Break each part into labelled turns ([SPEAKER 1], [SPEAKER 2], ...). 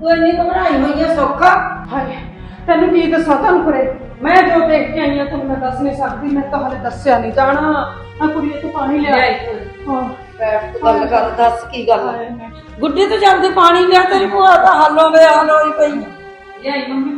[SPEAKER 1] ਤੂੰ ਇੰਨੀ ਘਬਰਾਈ ਹੋਈ ਹੈ ਸੌਖਾ?
[SPEAKER 2] ਹਾਏ ਤੈਨੂੰ ਕੀ ਦੱਸਾਂ ਤੁਹਾਨੂੰ ਕਰੇ, ਮੈਂ ਜੋ ਦੇਖ ਕੇ ਆਈ ਹਾਂ ਤੁਹਾਨੂੰ ਮੈਂ ਦੱਸ ਨਹੀਂ ਸਕਦੀ। ਮੈਂ ਤਾਂ ਹਲੇ ਦੱਸਿਆ ਨਹੀਂ ਜਾਣਾ। ਆ ਕੁੜੀਏ ਤੂੰ ਪਾਣੀ ਲਿਆ। ਹਾਂ
[SPEAKER 1] ਬੈਠ ਤੂੰ ਗੱਲ ਕਰ, ਦੱਸ ਕੀ ਗੱਲ
[SPEAKER 2] ਹਾਏ
[SPEAKER 1] ਹੈ?
[SPEAKER 2] ਮੈਂ
[SPEAKER 1] ਗੁੱਡੀ ਤੋਂ ਜਾਂਦੇ ਪਾਣੀ ਲਿਆ, ਤੇਰੀ ਭੂਆ ਤਾਂ ਹਾਲੋਂ ਬੇਹਾਲ ਹੋਈ ਪਈ।
[SPEAKER 2] ਲਿਆਈ ਮੰਮੀ।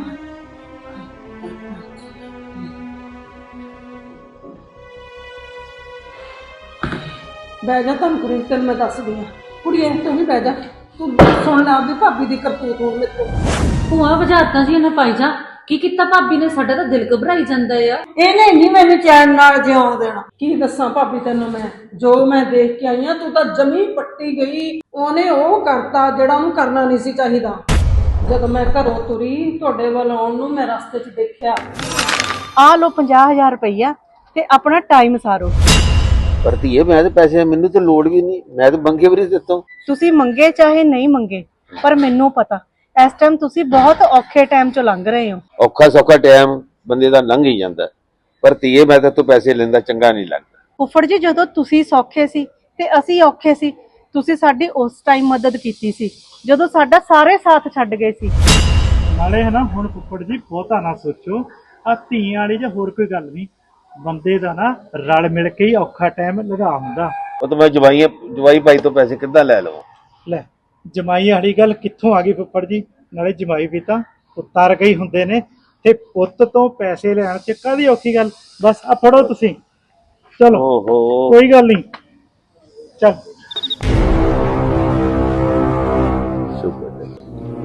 [SPEAKER 2] ਬਹਿ ਜਾ ਤੁਹਾਨੂੰ ਕਰੇ, ਤੈਨੂੰ ਮੈਂ ਦੱਸਦੀ ਹਾਂ। ਕੁੜੀਏ ਤੂੰ ਵੀ ਬਹਿ ਜਾ, ਤੂੰ ਸੁਣ ਲੈ ਆਪਦੀ ਭਾਬੀ ਦੀ ਕਰਤੂਤ ਹੁਣ ਮੇਰੇ ਤੋਂ।
[SPEAKER 3] ਭੂਆ ਵਜਾਤਾ ਜੀ ਇਹਨੇ ਪਾਈ ਜਾ। ਕੀ ਕੀਤਾ ਭਾਬੀ ਨੇ? ਸਾਡਾ ਤਾਂ ਦਿਲ ਘਬਰਾਈ ਜਾਂਦਾ ਆ।
[SPEAKER 1] ਇਹਨੇ ਨਹੀਂ ਮੈਨੂੰ ਚੈਨ ਨਾਲ ਜਿਉਣ ਦੇਣਾ।
[SPEAKER 2] ਕੀ ਦੱਸਾਂ ਭਾਬੀ ਤੈਨੂੰ ਮੈਂ, ਜੋ ਮੈਂ ਦੇਖ ਕੇ ਆਈ ਆ, ਤੂੰ ਤਾਂ ਜਮੀ ਪੱਟੀ ਗਈ। ਉਹਨੇ ਉਹ ਕਰਤਾ ਜਿਹੜਾ ਉਹਨੂੰ ਕਰਨਾ ਨਹੀਂ ਸੀ ਚਾਹੀਦਾ। ਜਦੋਂ ਮੈਂ ਘਰੋਂ ਤੁਰੀ ਤੁਹਾਡੇ ਵੱਲ ਆਉਣ ਨੂੰ ਮੈਂ ਰਸਤੇ 'ਚ ਦੇਖਿਆ।
[SPEAKER 4] ਆ ਲੋ 50,000 ਰੁਪਈਆ ਤੇ ਆਪਣਾ ਟਾਈਮ ਸਾਰੋ।
[SPEAKER 5] ਪਰ ਧੀਏ ਮੈਂ ਤੇ ਪੈਸੇ ਮੈਨੂੰ ਤੇ ਲੋੜ ਵੀ ਨਹੀਂ, ਮੈਂ ਤੇ ਮੰਗੇ ਵੀ ਨਹੀਂ ਦਿੱਤਾ।
[SPEAKER 4] ਤੁਸੀਂ ਮੰਗੇ ਚਾਹੇ ਨਹੀਂ ਮੰਗੇ, ਪਰ ਮੈਨੂੰ ਪਤਾ ਇਸ ਟਾਈਮ ਤੁਸੀਂ ਬਹੁਤ ਔਖੇ ਟਾਈਮ ਚੋਂ ਲੰਘ ਰਹੇ ਹੋ।
[SPEAKER 5] ਔਖਾ ਸੌਖਾ ਟਾਈਮ ਬੰਦੇ ਦਾ ਲੰਘ ਹੀ ਜਾਂਦਾ, ਪਰ ਧੀਏ ਮੈਂ ਤੇ ਤੂੰ ਪੈਸੇ ਲੈਂਦਾ ਚੰਗਾ ਨਹੀਂ ਲੱਗਦਾ।
[SPEAKER 4] ਫੁੱਫੜ ਜੀ ਜਦੋਂ ਤੁਸੀਂ ਸੌਖੇ ਸੀ ਤੇ ਅਸੀਂ ਔਖੇ ਸੀ, ਤੁਸੀਂ ਸਾਡੀ ਉਸ ਟਾਈਮ ਮਦਦ ਕੀਤੀ ਸੀ ਜਦੋਂ ਸਾਡਾ ਸਾਰੇ ਸਾਥ ਛੱਡ ਗਏ ਸੀ।
[SPEAKER 6] ਨਾਲੇ ਹੈ ਨਾ ਹੁਣ ਫੁੱਫੜ ਜੀ ਬਹੁਤਾ ਨਾ ਸੋਚੋ, ਆ ਧੀਆਂ ਵਾਲੀ ਜਾਂ ਹੋਰ ਕੋਈ ਗੱਲ ਨਹੀਂ, ਬੰਦੇ ਦਾ ਨਾ ਰਲ ਮਿਲ ਕੇ ਹੀ ਔਖਾ ਟਾਈਮ ਲੰਘਾ ਹੁੰਦਾ।
[SPEAKER 5] ਉਹ ਤਾਂ ਮੈਂ ਜਵਾਈ ਭਾਈ ਤੋਂ ਪੈਸੇ ਕਿੱਦਾਂ ਲੈ ਲਵਾਂ?
[SPEAKER 6] ਲੈ ਜਮਾਈ ਵਾਲੀ ਗੱਲ ਕਿੱਥੋਂ ਆ ਗਈ ਫੁੱਫੜ ਜੀ? ਨਾਲੇ ਜਮਾਈ ਵੀ ਤਾਂ ਪੁੱਤਾਂ ਵਰਗੇ ਹੀ ਹੁੰਦੇ ਨੇ, ਤੇ ਪੁੱਤ ਤੋਂ ਪੈਸੇ ਲੈਣ ਚ ਕਾਹਦੀ ਔਖੀ ਗੱਲ। ਬਸ ਆ ਫੜੋ ਤੁਸੀਂ, ਚਲੋ
[SPEAKER 5] ਓਹੋ
[SPEAKER 6] ਕੋਈ ਗੱਲ ਨਹੀਂ, ਚੱਲ।
[SPEAKER 5] ਸ਼ੁਕਰ ਹੈ।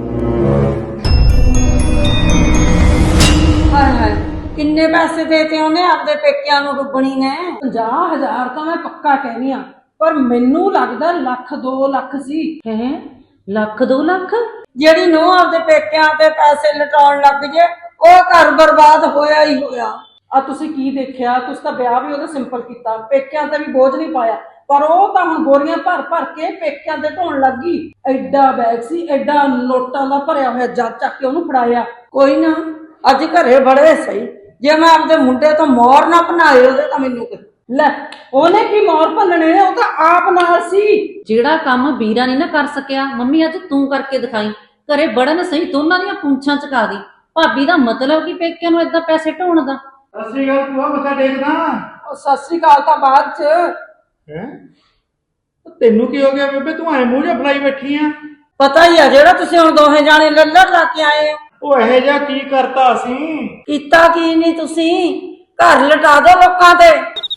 [SPEAKER 1] ਹਾਏ ਹਾਏ, ਕਿੰਨੇ ਪੈਸੇ ਦੇਤੇ ਉਹਨੇ ਆਪਦੇ ਪੇਕਿਆਂ ਨੂੰ ਡੁੱਬਣੀ ਨੇ?
[SPEAKER 2] 50,000 ਤਾਂ ਮੈਂ ਪੱਕਾ ਕਹਿਨੀ ਆ, ਪਰ ਮੈਨੂੰ ਲੱਗਦਾ ਲੱਖ 2 ਲੱਖ ਸੀ।
[SPEAKER 3] ਹੈ ਲੱਖ 2 ਲੱਖ?
[SPEAKER 1] ਜਿਹੜੀ ਨੂੰ ਆਪਦੇ ਪੇਕਿਆਂ ਤੇ ਪੈਸੇ ਲਟਾਉਣ ਲੱਗ ਜੇ ਉਹ ਘਰ ਬਰਬਾਦ ਹੋਇਆ ਹੀ ਹੋਇਆ।
[SPEAKER 2] ਆ ਤੁਸੀਂ ਕੀ ਦੇਖਿਆ? ਤੁਸੀਂ ਤਾਂ ਵਿਆਹ ਵੀ ਉਹਦਾ ਸਿੰਪਲ ਕੀਤਾ, ਪੇਕਿਆਂ ਤੇ ਵੀ ਬੋਝ ਨਹੀਂ ਪਾਇਆ, ਪਰ ਉਹ ਤਾਂ ਹੁਣ ਬੋਰੀਆਂ ਭਰ ਭਰ ਕੇ ਪੇਕਿਆਂ ਤੇ ਢੋਣ ਲੱਗ ਗਈ। ਐਡਾ ਬੈਗ ਸੀ, ਐਡਾ ਨੋਟਾਂ ਦਾ ਭਰਿਆ ਹੋਇਆ, ਜੱਜ ਚੱਕ ਕੇ ਉਹਨੂੰ ਫੜਾਇਆ।
[SPEAKER 1] ਕੋਈ ਨਾ, ਅੱਜ ਘਰੇ ਬੜੇ ਸਹੀ। ਜੇ ਮੈਂ ਆਪਦੇ ਮੁੰਡੇ ਤੋਂ ਮੋਹਰ ਨਾ ਬਣਾਏ ਉਹਦੇ ਤਾਂ ਮੈਨੂੰ ਕਿ
[SPEAKER 2] ਲੈ ਉਹਨੇ ਕੀ ਮੋਰ ਭੰਨਣੇ ਨੇ, ਉਹ ਤਾਂ ਆਪ ਨਾਲ ਸੀ।
[SPEAKER 3] ਜਿਹੜਾ ਕੰਮ ਵੀਰਾ ਨਹੀਂ ਨਾ ਕਰ ਸਕਿਆ, ਮੰਮੀ ਅੱਜ ਤੂੰ ਕਰਕੇ ਦਿਖਾਈ। ਘਰੇ ਬੜਨ ਸਹੀ ਦੋਨਾਂ ਦੀਆਂ ਪੂੰਛਾਂ ਚਕਾ ਦੀ। ਭਾਬੀ ਦਾ ਮਤਲਬ ਕੀ ਪੇਕਿਆਂ ਨੂੰ ਏਦਾਂ ਪੈਸੇ ਢੋਣ ਦਾ?
[SPEAKER 6] ਅਸੀਂ ਗੱਲ ਤੂੰ ਮੱਥਾ ਟੇਕਦਾ
[SPEAKER 2] ਉਹ ਸਤਿ ਸ੍ਰੀ ਅਕਾਲ ਤਾਂ ਬਾਅਦ ਚ।
[SPEAKER 6] ਹੈ? ਤੈਨੂੰ ਕੀ ਹੋ ਗਿਆ ਬੇਬੇ? ਤੂੰ ਐ ਮੂੰਹ ਜਿਹਾ ਫਲਾਈ ਬੈਠੀ ਆ।
[SPEAKER 1] ਪਤਾ ਹੀ ਆ ਜਿਹੜਾ ਤੁਸੀਂ ਹੁਣ ਦੋਹੇ ਜਾਣੇ ਲੱਲੜ ਲਾ ਕੇ ਆਏ ਹੋ।
[SPEAKER 6] ਉਹ ਇਹੋ ਜਿਹਾ ਕੀ ਕਰਤਾ ਅਸੀਂ?
[SPEAKER 1] ਕੀਤਾ ਕੀ ਨਹੀਂ ਤੁਸੀਂ? ਘਰ ਲਟਾ ਦੋ ਲੋਕਾਂ ਤੇ।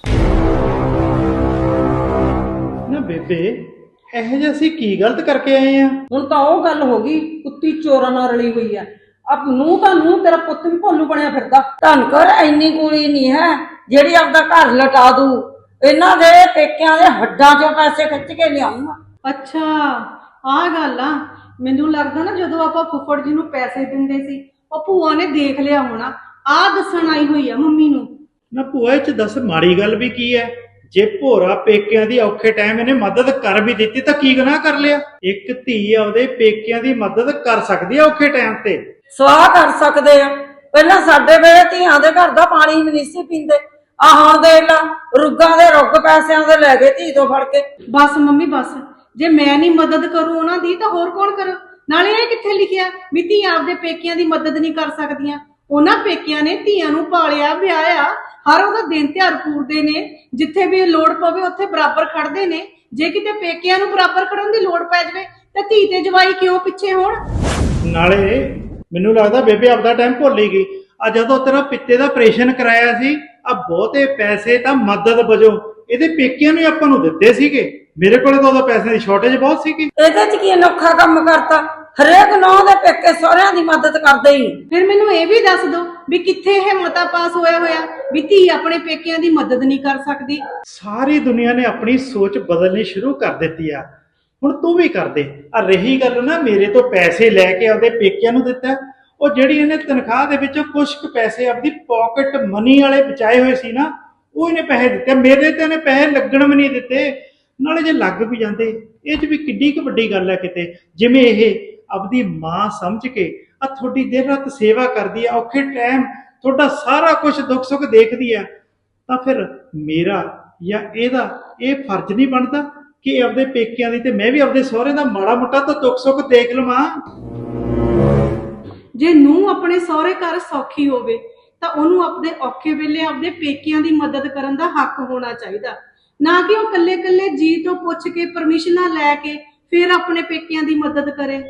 [SPEAKER 6] ਨਾ ਬੇਬੇ ਇਹੋ ਜਿਹਾ ਅਸੀਂ ਕੀ ਗਲਤ ਕਰਕੇ ਆਏ ਆ?
[SPEAKER 2] ਹੁਣ ਤਾਂ ਉਹ ਗੱਲ ਹੋ ਗਈ, ਕੁੱਤੀ ਚੋਰਾਂ ਨਾਲ ਰਲੀ ਹੋਈ ਆ। ਅਬ ਨੂੰ ਤਾਂ ਨੂੰ ਤੇਰਾ ਪੁੱਤ ਵੀ ਭੋਲੂ ਬਣਿਆ ਫਿਰਦਾ।
[SPEAKER 1] ਧੰਨ ਕਰ ਇੰਨੀ ਕੁੜੀ ਨਹੀਂ ਹੈ ਜਿਹੜੀ ਆਪਦਾ ਘਰ ਲਟਾ ਦੂ। ਇਹਨਾਂ ਦੇ ਪੇਕਿਆਂ ਦੇ ਹੱਡਾਂ ਚੋਂ ਪੈਸੇ ਖਿੱਚ ਕੇ ਲਿਆਉਂਗਾ।
[SPEAKER 4] ਅੱਛਾ ਆਹ ਗੱਲ ਆ। ਮੈਨੂੰ ਲੱਗਦਾ ਨਾ ਜਦੋਂ ਆਪਾਂ ਫੁੱਫੜ ਜੀ ਨੂੰ ਪੈਸੇ ਦਿੰਦੇ ਸੀ, ਉਹ ਭੂਆ ਨੇ ਦੇਖ ਲਿਆ ਹੋਣਾ। ਆਹ ਦੱਸਣ ਆਈ ਹੋਈ ਆ ਮੰਮੀ ਨੂੰ।
[SPEAKER 6] ਨਾ ਭੂਆ ਇਹ ਚ ਦੱਸ ਮਾੜੀ ਗੱਲ ਵੀ ਕੀ ਹੈ? ਜੇ ਭੋਰਾ ਪੇਕਿਆਂ ਦੀ ਔਖੇ ਟਾਈਮ ਇਹਨੇ ਮਦਦ ਕਰ ਵੀ ਦਿੱਤੀ ਤਾਂ ਕੀ ਗੁਨਾਹ ਕਰ ਲਿਆ? ਇੱਕ ਧੀ ਆਪਦੇ ਪੇਕਿਆਂ ਦੀ ਮਦਦ ਕਰ ਸਕਦੀ ਆ ਔਖੇ ਟਾਈਮ ਤੇ।
[SPEAKER 1] ਸਵਾਹ ਕਰ ਸਕਦੇ ਆ। ਪਹਿਲਾਂ ਸਾਡੇ ਵੇਲੇ ਧੀਆਂ ਦੇ ਘਰ ਦਾ ਪਾਣੀ ਵੀ ਨਹੀਂ ਸੀ ਪੀਂਦੇ। ਆ ਹੁਣ ਦੇਖ ਲਾ, ਰੁੱਗਾਂ ਦੇ ਰੁੱਗ ਪੈਸਿਆਂ ਦੇ ਲੈ ਗਏ ਧੀ ਤੋਂ ਫੜ ਕੇ।
[SPEAKER 4] ਬਸ ਮੰਮੀ ਬਸ, ਜੇ ਮੈਂ ਨਹੀਂ ਮਦਦ ਕਰੂੰ ਉਹਨਾਂ ਦੀ ਤਾਂ ਹੋਰ ਕੌਣ ਕਰੂ? ਨਾਲੇ ਇਹ ਕਿੱਥੇ ਲਿਖਿਆ ਵੀ ਧੀਆਂ ਆਪਦੇ ਪੇਕਿਆਂ ਦੀ ਮਦਦ ਨਹੀਂ ਕਰ ਸਕਦੀਆਂ? ਉਹਨਾਂ ਪੇਕਿਆਂ ਨੇ ਧੀਆਂ ਨੂੰ ਪਾਲਿਆ ਵਿਆਹਿਆ, ਹਰ ਉਹਦਾ ਦਿਨ ਤਿਉਹਾਰ ਪੂਰਦੇ ਨੇ, ਜਿੱਥੇ ਵੀ ਲੋੜ ਪਵੇ ਉੱਥੇ ਬਰਾਬਰ ਖੜਦੇ ਨੇ। ਜੇ ਕਿਤੇ ਪੇਕਿਆਂ ਨੂੰ ਬਰਾਬਰ ਖੜਨ ਦੀ ਲੋੜ ਪੈ ਜਾਵੇ ਤਾਂ ਧੀ ਤੇ ਜਵਾਈ ਕਿਉਂ ਪਿੱਛੇ ਹੋਣ?
[SPEAKER 6] ਨਾਲੇ ਮੈਨੂੰ ਲੱਗਦਾ ਬੇਬੇ ਆਪਦਾ ਟਾਈਮ ਭੁੱਲ ਹੀ ਗਈ। ਆ ਜਦੋਂ ਤੇਰਾ ਪਿੱਤੇ ਦਾ ਆਪਰੇਸ਼ਨ ਕਰਾਇਆ ਸੀ, ਆ ਬਹੁਤੇ ਪੈਸੇ ਤਾਂ ਮਦਦ ਵਜੋਂ ਇਹਦੇ ਪੇਕਿਆਂ ਨੂੰ ਆਪਾਂ ਨੂੰ ਦਿੱਤੇ ਸੀਗੇ। ਮੇਰੇ ਕੋਲੇ ਤਾਂ ਉਹਦਾ ਪੈਸੇ ਦੀ ਸ਼ਾਰਟੇਜ ਬਹੁਤ ਸੀਗੀ।
[SPEAKER 1] ਇਹਦੇ ਚ ਕੀ ਅਨੋਖਾ ਕੰਮ ਕਰਤਾ? ਹਰੇਕ ਨੌਂ ਦੇ ਪੇਕੇ ਸਹੁਰਿਆਂ ਦੀ ਮਦਦ ਕਰਦੇ ਹੀ।
[SPEAKER 4] ਫਿਰ ਮੈਨੂੰ ਇਹ ਵੀ ਦੱਸ ਦਿਓ ਵੀ ਕਿੱਥੇ ਇਹ ਮਤਾ ਪਾਸ ਹੋਇਆ ਵੀ ਧੀ ਆਪਣੇ ਪੇਕਿਆਂ ਦੀ ਮਦਦ ਨਹੀਂ ਕਰ ਸਕਦੀ?
[SPEAKER 6] ਸਾਰੀ ਦੁਨੀਆ ਨੇ ਆਪਣੀ ਸੋਚ ਬਦਲਣੀ ਸ਼ੁਰੂ ਕਰ ਦਿੱਤੀ ਆ, ਹੁਣ ਤੂੰ ਵੀ ਕਰ ਦੇ। ਆ ਰਹੀ ਗੱਲ ਨਾ ਮੇਰੇ ਤੋਂ ਪੈਸੇ ਲੈ ਕੇ ਆਪਦੇ ਪੇਕਿਆਂ ਨੂੰ ਦਿੱਤਾ, ਉਹ ਜਿਹੜੀ ਇਹਨੇ ਤਨਖਾਹ ਦੇ ਵਿੱਚੋਂ ਕੁਝ ਕੁ ਪੈਸੇ ਆਪਦੀ ਪਾਕਟ ਮਨੀ ਵਾਲੇ ਬਚਾਏ ਹੋਏ ਸੀ ਨਾ, ਉਹ ਇਹਨੇ ਪੈਸੇ ਦਿੱਤੇ। ਮੇਰੇ ਤੇ ਇਹਨੇ ਪੈਸੇ ਲੱਗਣ ਵੀ ਨਹੀਂ ਦਿੱਤੇ। ਨਾਲੇ ਜੇ ਲੱਗ ਵੀ ਜਾਂਦੇ, ਇਹ 'ਚ ਵੀ ਕਿੱਡੀ ਕੁ ਵੱਡੀ ਗੱਲ ਹੈ। ਕਿਤੇ ਜਿਵੇਂ ਇਹ ਆਪਦੀ ਮਾਂ ਸਮਝ ਕੇ ਆ ਤੁਹਾਡੀ ਦਿਨ ਰਾਤ ਸੇਵਾ ਕਰਦੀ ਆ, ਔਖੇ ਟਾਈਮ ਤੁਹਾਡਾ ਸਾਰਾ ਕੁਝ ਦੁੱਖ ਸੁੱਖ ਦੇਖਦੀ ਆ, ਤਾਂ ਫਿਰ ਮੇਰਾ ਜਾਂ ਇਹਦਾ ਇਹ ਫਰਜ਼ ਨਹੀਂ ਬਣਦਾ ਕਿ ਆਪਦੇ ਪੇਕਿਆਂ ਦੀ ਤੇ ਮੈਂ ਵੀ ਆਪਦੇ ਸਹੁਰੇ ਦਾ ਮਾੜਾ ਮੋਟਾ ਤਾਂ ਦੁੱਖ ਸੁੱਖ ਦੇਖ ਲਵਾਂ।
[SPEAKER 4] ਜੇ ਨੂੰਹ ਆਪਣੇ ਸਹੁਰੇ ਘਰ ਸੌਖੀ ਹੋਵੇ ਤਾਂ ਉਹਨੂੰ ਆਪਣੇ ਔਖੇ ਵੇਲੇ ਆਪਣੇ ਪੇਕਿਆਂ ਦੀ ਮਦਦ ਕਰਨ ਦਾ ਹੱਕ ਹੋਣਾ ਚਾਹੀਦਾ, ਨਾ ਕਿ ਉਹ ਕੱਲੇ-ਕੱਲੇ ਜੀ ਤੋਂ ਪੁੱਛ ਕੇ ਪਰਮਿਸ਼ਨਾਂ ਲੈ ਕੇ ਫਿਰ ਆਪਣੇ ਪੇਕਿਆਂ ਦੀ ਮਦਦ ਕਰੇ।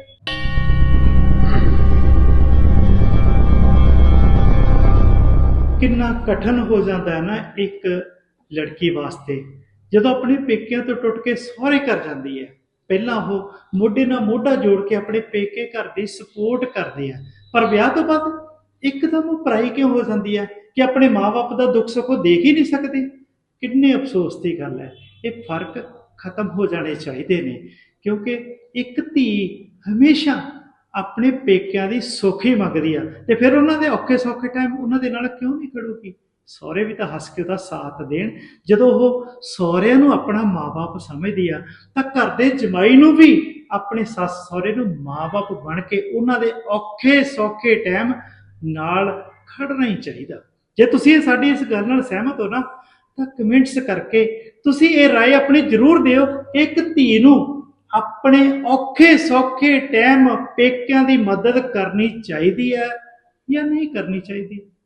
[SPEAKER 6] ਕਿੰਨਾ ਕਠਿਨ ਹੋ ਜਾਂਦਾ ਹੈ ਨਾ ਇੱਕ ਲੜਕੀ ਵਾਸਤੇ ਜਦੋਂ ਆਪਣੇ ਪੇਕਿਆਂ ਤੋਂ ਟੁੱਟ ਕੇ ਸਹੁਰੇ ਘਰ ਜਾਂਦੀ ਹੈ। ਪਹਿਲਾਂ ਉਹ ਮੋਢੇ ਨਾਲ ਮੋਢਾ ਜੋੜ ਕੇ ਆਪਣੇ ਪੇਕੇ ਘਰ ਦੀ ਸਪੋਰਟ ਕਰਦੇ ਆ, ਪਰ ਵਿਆਹ ਤੋਂ ਬਾਅਦ ਇੱਕਦਮ ਉਹ ਪਰਾਈ ਕਿਉਂ ਹੋ ਜਾਂਦੀ ਹੈ ਕਿ ਆਪਣੇ ਮਾਂ-ਬਾਪ ਦਾ ਦੁੱਖ ਸੁੱਖ ਉਹ ਦੇਖ ਹੀ ਨਹੀਂ ਸਕਦੇ। ਕਿੰਨੇ ਅਫਸੋਸ ਦੀ ਗੱਲ ਹੈ। ਇਹ ਫਰਕ ਖਤਮ ਹੋ ਜਾਣੇ ਚਾਹੀਦੇ ਨੇ, ਕਿਉਂਕਿ ਇੱਕ ਧੀ ਹਮੇਸ਼ਾ ਆਪਣੇ ਪੇਕਿਆਂ ਦੀ ਸੁੱਖ ਹੀ ਮੰਗਦੀ ਆ, ਤੇ ਫਿਰ ਉਹਨਾਂ ਦੇ ਔਖੇ ਸੌਖੇ ਟਾਈਮ ਉਹਨਾਂ ਦੇ ਨਾਲ ਕਿਉਂ ਨਹੀਂ ਖੜੂਗੀ। ਸਹੁਰੇ ਵੀ ਤਾਂ ਹੱਸ ਕੇ ਉਹਦਾ ਸਾਥ ਦੇਣ। ਜਦੋਂ ਉਹ ਸਹੁਰਿਆਂ ਨੂੰ ਆਪਣਾ ਮਾਂ-ਬਾਪ ਸਮਝਦੀ ਆ ਤਾਂ ਘਰ ਦੇ ਜਮਾਈ ਨੂੰ ਵੀ ਆਪਣੇ ਸੱਸ ਸਹੁਰੇ ਨੂੰ ਮਾਂ-ਬਾਪ ਬਣ ਕੇ ਉਹਨਾਂ ਦੇ ਔਖੇ ਸੌਖੇ ਟਾਈਮ ਨਾਲ ਖੜਨਾ ਹੀ ਚਾਹੀਦਾ। ਜੇ ਤੁਸੀਂ ਸਾਡੀ ਇਸ ਗੱਲ ਨਾਲ ਸਹਿਮਤ ਹੋ ਨਾ ਤਾਂ ਕਮੈਂਟਸ ਕਰਕੇ ਤੁਸੀਂ ਇਹ ਰਾਏ ਆਪਣੀ ਜ਼ਰੂਰ ਦਿਓ। ਇੱਕ ਧੀ ਨੂੰ ਆਪਣੇ ਔਖੇ ਸੌਖੇ ਟਾਈਮ ਪੇਕਿਆਂ ਦੀ ਮਦਦ ਕਰਨੀ ਚਾਹੀਦੀ ਹੈ ਜਾਂ ਨਹੀਂ ਕਰਨੀ ਚਾਹੀਦੀ।